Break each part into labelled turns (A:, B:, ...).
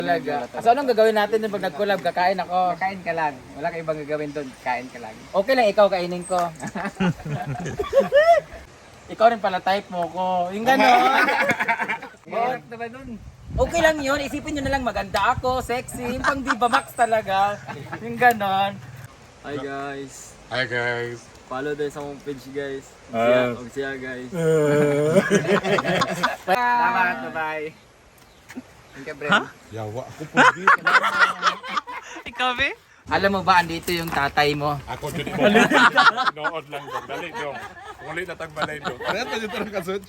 A: Talaga. So anong gagawin natin dun pag nag-collab? Kakain ako.
B: Kakain ka lang. Wala kang ibang gagawin doon. Kain ka lang.
A: Okay lang ikaw, kainin ko. Ikaw rin pala type mo ko. Yung gano'n.
B: Mahirap naman doon.
A: Okay lang yun. Isipin nyo na lang maganda ako, sexy. Yung pang Diva Max talaga. Yung gano'n.
C: Hi guys.
D: Hi guys.
C: Follow din sa akong page guys. Og siya guys.
B: Salamat. Bye-bye. Thank you, Bren.
D: Yawa ako po
C: Ikaw be?
A: Alam mo ba, andito yung tatay mo.
D: Ako dyan mo. Nood lang dong. Dali dong. Ulit na tagbalay dong. Kaya tayo tarang kasot.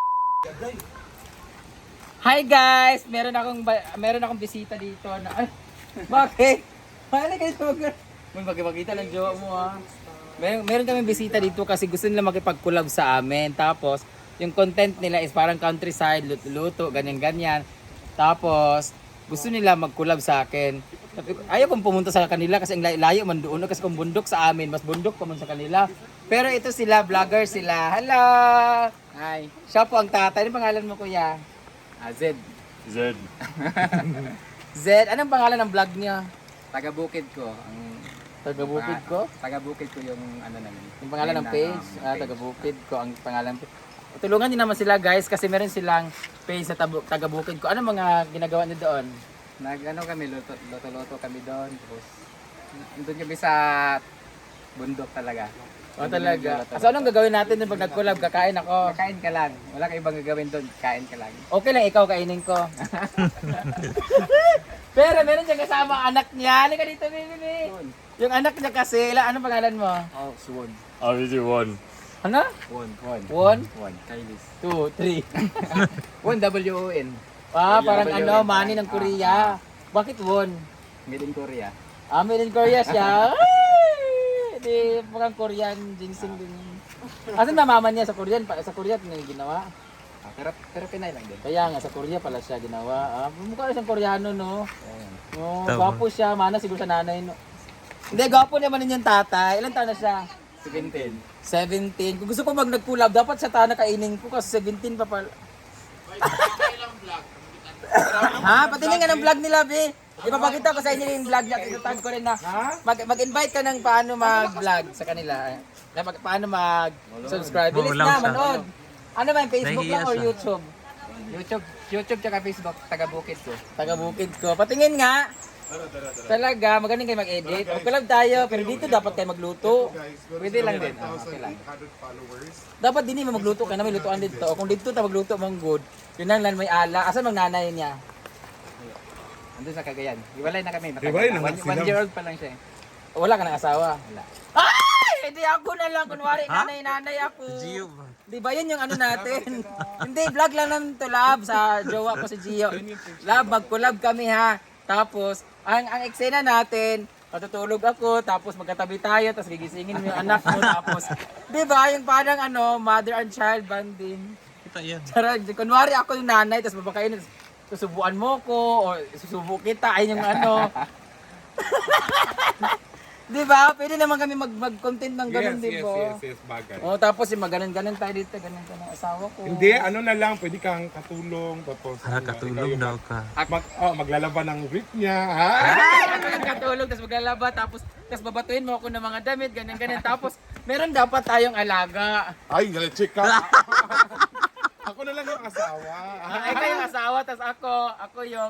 A: Hi guys! Meron akong bisita dito na bakit? Bakit kayo magkita lang jowa mo ha. Meron kaming bisita dito kasi gusto nila makipag-collab sa amin. Tapos yung content nila is parang countryside, luto-luto, ganyan-ganyan. Tapos gusto nila mag-collab sa akin. Ayaw kong pumunta sa kanila kasi ang layo man doon kasi kung bundok sa amin, mas bundok pa man sa kanila. Pero ito sila, vlogger sila. Hello!
B: Hi.
A: Siya po ang tatay. Anong pangalan mo kuya?
B: Zed.
D: Zed.
A: Zed, anong pangalan ng vlog niya?
B: Taga-bukid ko. Ang
A: Taga-bukid ko?
B: Taga-bukid ko yung ano namin.
A: Yung pangalan ng page?
B: page.
A: Taga-bukid ko ang pangalan. Tulungan niyo naman sila guys kasi meron silang page sa taga-bukid ko. Ano mga ginagawa niyo doon?
B: Nag-ano kami, luto-luto kami doon. Tapos, doon kami sa bundok talaga.
A: O talaga. So anong gagawin natin dun pag nag-collab? Kakain ako.
B: Kakain ka lang. Wala kang ibang gagawin doon. Kain ka lang.
A: Okay lang ikaw, kainin ko. Pero meron siyang kasama ang anak niya. Halika dito, baby. Yung anak niya kasi, anong pangalan mo?
B: Oh, suwon.
D: Obviously one.
A: Ano?
B: Won.
A: 1,
B: Kailis.
A: 2, 3.
B: Won, W-O-N.
A: Parang money ng Korea. Bakit won?
B: Made in Korea.
A: Made in Korea siya. Ay! Di, parang Korean ginseng din. Asan na mama niya sa Korean? Sa Korea niya ginawa.
B: Pero Pinay lang din.
A: Kaya nga sa Korea pala siya ginawa. Mukha na siyang Koreano no.
B: Ayan.
A: Oh, gwapo siya, mana siguro sa nanay no. Hindi, gwapo naman din yung tatay. Ilan taon na siya?
B: 17.
A: 17. Kung gusto ko nag-collab, dapat sa tana kainin ko kasi 17 pa pala. Ha? Patingin nga ng vlog nila, be. Ipapakita ko sa inyo yung vlog niya. Tinutag ko rin na mag-invite ka ng paano mag-vlog sa kanila. Paano mag-subscribe. Bilis na, manood. Ano ba yung Facebook lang or YouTube?
B: YouTube tsaka Facebook, taga-bukid ko.
A: Taga-bukid ko. Patingin nga. Talaga, magaling kayo mag-edit. Mag-collab tayo, pero dito dapat kayo magluto.
B: Pwede lang din. Okay lang.
A: Dapat din mo magluto ka na may lutuan dito. O kung dito ta magluto mong good, yun lang may ala. Asan mang nanay niya?
B: Andun sa Cagayan. Hiwalay na kami.
D: Hiwalay na nga sila.
B: 1 year old pa lang siya.
A: Wala ka ng asawa?
B: Wala.
A: Ay! Hindi ako na lang. Kunwari, nanay ako. Di ba yun yung ano natin? Hindi, vlog lang naman to, love. Sa jowa ko si Gio. Love, mag-collab kami ha. Tapos, ang eksena natin, matutulog ako, tapos magkatabi tayo, tapos gigisingin mo yung anak mo, tapos, di ba, yung parang mother and child bonding.
C: Kita yan.
A: Charot, kunwari ako yung nanay, tapos babakain, susubuan mo ko, o susubo kita, ayun yung Di ba? Pwede naman kami mag-content ng ganun, di ba?
D: Yes, bagay.
A: Oh, tapos yung maganon-ganon tayo dito, ganun ka ng asawa ko.
D: Hindi, ano na lang, pwede kang katulong. Tapos,
C: Katulog daw ka.
D: maglalaba ng rip niya, ha?
A: Katulog, tapos maglalaba, tapos babatuin mo ako ng mga damit, ganyan-ganyan. Tapos, meron dapat tayong alaga.
D: Ay, check ka. Ako na lang yung asawa.
A: Ikaw yung asawa, tapos ako yung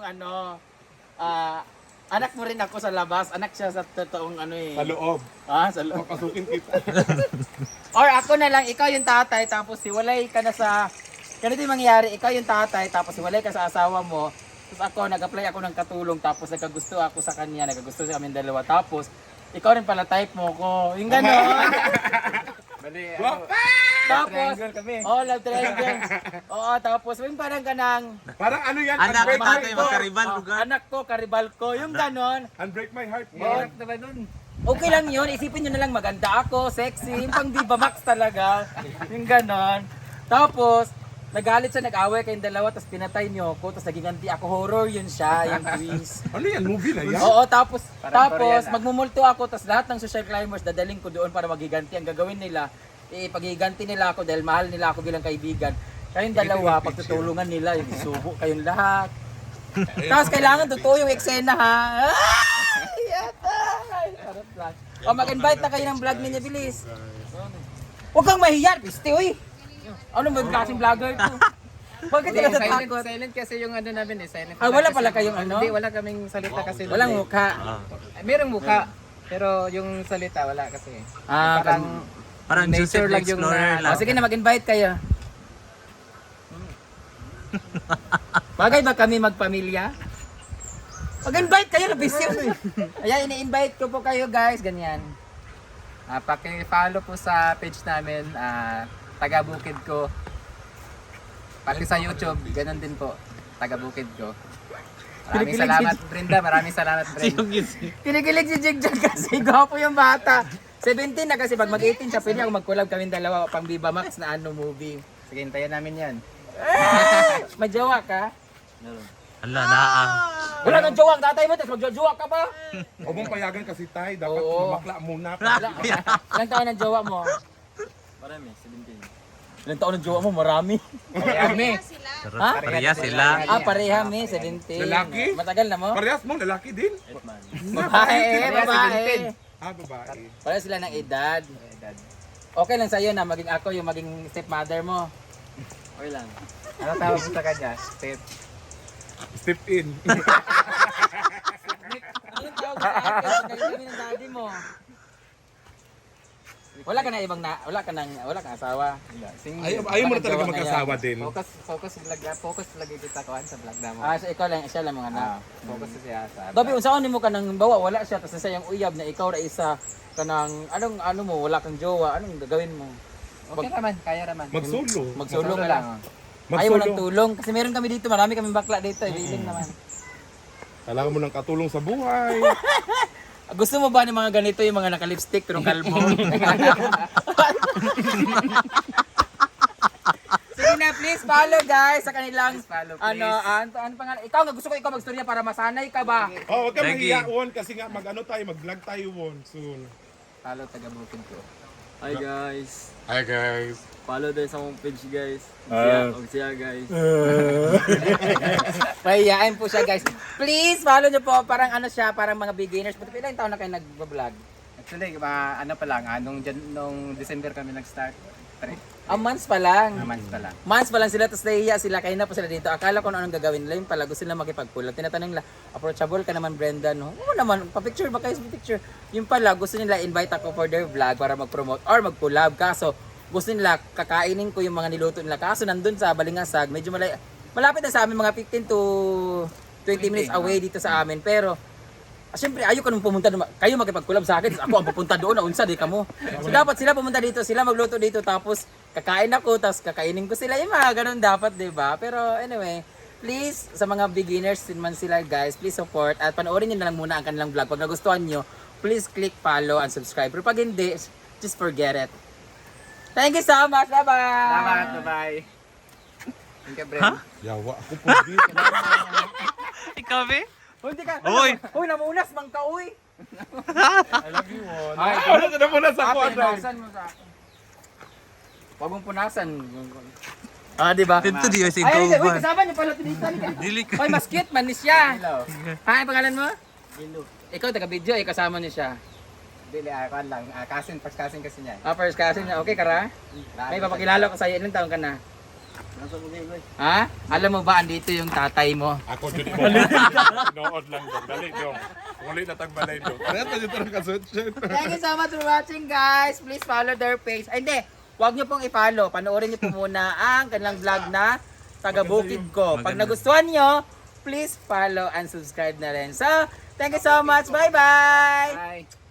A: anak mo rin ako sa labas. Anak siya sa totoong
D: Sa loob.
A: Sa loob.
D: Papasukin kita.
A: Or ako na lang, ikaw yung tatay, tapos hiwalay ka na sa... Ganito yung mangyayari, ikaw yung tatay, tapos hiwalay ka sa asawa mo. Tapos ako, nag-apply ako ng katulong, tapos nagkagusto ako sa kanya, nagkagusto sa amin dalawa. Tapos, ikaw rin pala type mo ko. Yung gano'n.
B: Bali,
A: Tapos,
B: triangle kami.
A: love triangle. Oo, tapos, yung parang kanang...
D: Parang ano yan?
C: Anak
D: Unbreak
C: ba
D: my
C: kayo
D: heart.
C: magkaribal lugar?
A: Anak ko, karibal ko, yung gano'n.
D: Unbreak my heart.
B: Mahirap naman doon.
A: Okay lang yun, isipin nyo na lang maganda ako, sexy, yung pang Diva Max talaga. Yung ganon. Tapos, nagalit siya, nag-away kayong dalawa, tapos pinatay niyo ako, tapos nagiganti ako, horror yun siya, yung quiz.
D: Ano yan? Movie na yan?
A: Oo, tapos
B: Parang Korean,
A: magmumulto ako, tapos lahat ng social climbers dadaling ko doon para magiganti. Ang gagawin nila, paghiganti nila ako dahil mahal nila ako bilang kaibigan. Kayong dalawa, pagtutulungan nila, yung subo kayong lahat. Tapos kailangan totoo yung eksena ha. Ay, yata. Ay, sarap lang. O mag-invite na kayo ng vlog ninyo, bilis. Huwag kang mahiya, piste, uy. Ano ba yung klaseng vlogger to? Bakit
B: Hindi,
A: ka
B: silent,
A: natatakot?
B: silent kasi yung ano namin eh. Silent
A: Ah, wala
B: kasi
A: pala
B: yung-
A: kayong ano?
B: Hindi, wala kaming salita kasi.
A: Walang
B: doon eh.
A: mukha.
B: Merong mukha. Pero yung salita wala kasi.
A: Ah,
C: Parang
B: nature
C: Joseph the
B: lang yung
C: Explorer
B: na-
C: lang.
A: sige na, mag-invite kayo. Bagay ba kami magpamilya? Mag-invite kayo, labis yun. Ayan, ini-invite ko po kayo guys, ganyan.
B: Paki-follow po sa page namin, taga Bukid ko. Pati sa YouTube, ganun din po. Taga Bukid ko. Maraming
A: Kinikilig
B: salamat Brenda, maraming salamat Brenda.
A: Kinikilig si Jigjag kasi gwapo yung bata. 17 na kasi pag mag-18 siya, pwede ako mag-collab kami dalawa pang Viva Max na ano movie.
B: Sige, hintayin namin yan.
A: May jowa ka?
C: Ala, naa.
A: Wala nang jowa ang tatay mo, tapos magjojowa ka pa?
D: Huwag mong payagan kasi tay, dapat
A: Oo.
D: makla muna.
A: Ilang taon ang jowa mo?
C: Marami, 17.
A: Ilang taon ang jowa mo? Marami.
B: Kami.
A: Ha?
C: Pareha sila.
A: Ah, pareha mi, 17.
D: Lalaki?
A: Matagal na mo?
D: Parehas mo, lalaki din.
A: Babae, babae.
D: Babae.
A: Pareha sila ng edad. Okay lang sa'yo na maging ako yung maging stepmother mo.
C: Okay lang.
B: Ano tawag mo sa kanya? Step.
D: Step in.
A: Anong tawag sa akin? Magaling kami ng daddy mo. Wala ka na ibang wala kang asawa.
D: Ayaw mo na talaga mag-asawa din.
B: Focus lagi kita kuhan sa vlog na mo.
A: Ah, so ikaw lang, siya lang mga anak.
B: Focus siya sa.
A: Dobi, unsaon nimo ka nang bawa, wala siya, tapos sayang uyab na ikaw ra isa kanang anong ano mo, wala kang jowa, anong gagawin mo?
B: Okay naman, kaya naman.
D: Magsolo.
A: Magsolo ka lang.
D: Magsolo.
A: Ayaw mo ng tulong kasi meron kami dito, marami kaming bakla dito, willing naman.
D: Kailangan mo ng katulong sa buhay.
A: Gusto mo ba ng mga ganito yung mga naka-lipstick pero kalbo? Sige na, please follow guys sa kanilang
B: Please follow,
A: ano pangalan? Ikaw nga gusto ko ikaw magstorya para masanay ka ba?
D: Oh, huwag ka
C: Thank you.
D: mahiya won kasi nga mag-ano tayo, mag-vlog tayo won soon.
B: Follow taga Bukid ko.
C: Hi guys.
D: Hi guys.
C: Follow din sa akong page guys. Og siya guys.
A: Mahihain po siya guys. Please follow nyo po, parang ano siya, parang mga beginners. But ilang taon na kayo nag-vlog?
B: Actually, ano pa lang, nung December kami nag-start.
A: Months pa lang.
B: Months pa lang.
A: Months pa lang sila, tapos nahihiya sila, kaya na po sila dito. Akala ko anong gagawin nila, yung pala gusto nila makipag-collab. Tinatanong nila, approachable ka naman Brenda, no? Oo naman, pa-picture ba kayo sa picture? Yung pala, gusto nila invite ako for their vlog para mag-promote or mag-collab. Kaso, gusto nila kakainin ko yung mga niluto nila. Kaso nandun sa Balingasag, medyo malapit na sa amin, mga 15 to 20 minutes away dito sa amin. Pero, siyempre, ayaw ka nung pumunta, kayo makipag-collab sa akin, tapos ako ang pupunta doon, naunsa, di ka mo. So dapat sila pumunta dito, sila magluto dito, tapos kakain ako, tapos kakainin ko sila, yung mga ganun dapat, di ba? Pero anyway, please, sa mga beginners din man sila guys, please support, at panoorin nyo na lang muna ang kanilang vlog. Pag nagustuhan nyo, please click follow and subscribe. Pero pag hindi, just forget it. Thank you so much, bye-bye!
B: Salamat, bye-bye. Thank you, Brenda.
D: Yawa ako po
C: Ikaw be?
A: Hindi ka,
C: Uy!
A: Uy, namunas, mangka, uy!
D: I love you won. Ano ka na muna sa
A: Ate,
D: kuwan?
A: punasan mo sa akin. Huwag mong punasan. Ah, di ba?
C: Dito di yung
A: Ay, hindi, uy,
C: sigauban.
A: kasama niyo pala tinita.
C: Dili ka.
A: Hoy, mas cute man ni siya.
B: Hello.
A: Ha, ang pangalan mo? Ikaw, taga-video, kasama niyo siya.
B: Dili, kuhan lang. First cousin kasi niya.
A: Ah, first cousin niya. Okay, Kara? May papakilala ko sa'yo. Ilang taon ka na? Ha? Alam mo ba, andito yung tatay mo?
D: Ako dyan mo. Nood lang doon. Dali doon. Kung ulit na tagbalay doon. Kaya tayo ito ng kasutsyot.
A: Thank you so much for watching, guys. Please follow their page. Ay, hindi. Huwag niyo pong i-follow. Panoorin niyo po muna ang kanilang vlog na taga Bukid ko. Pag nagustuhan niyo, please follow and subscribe na rin. So, thank you so much. Bye-bye!
B: Bye.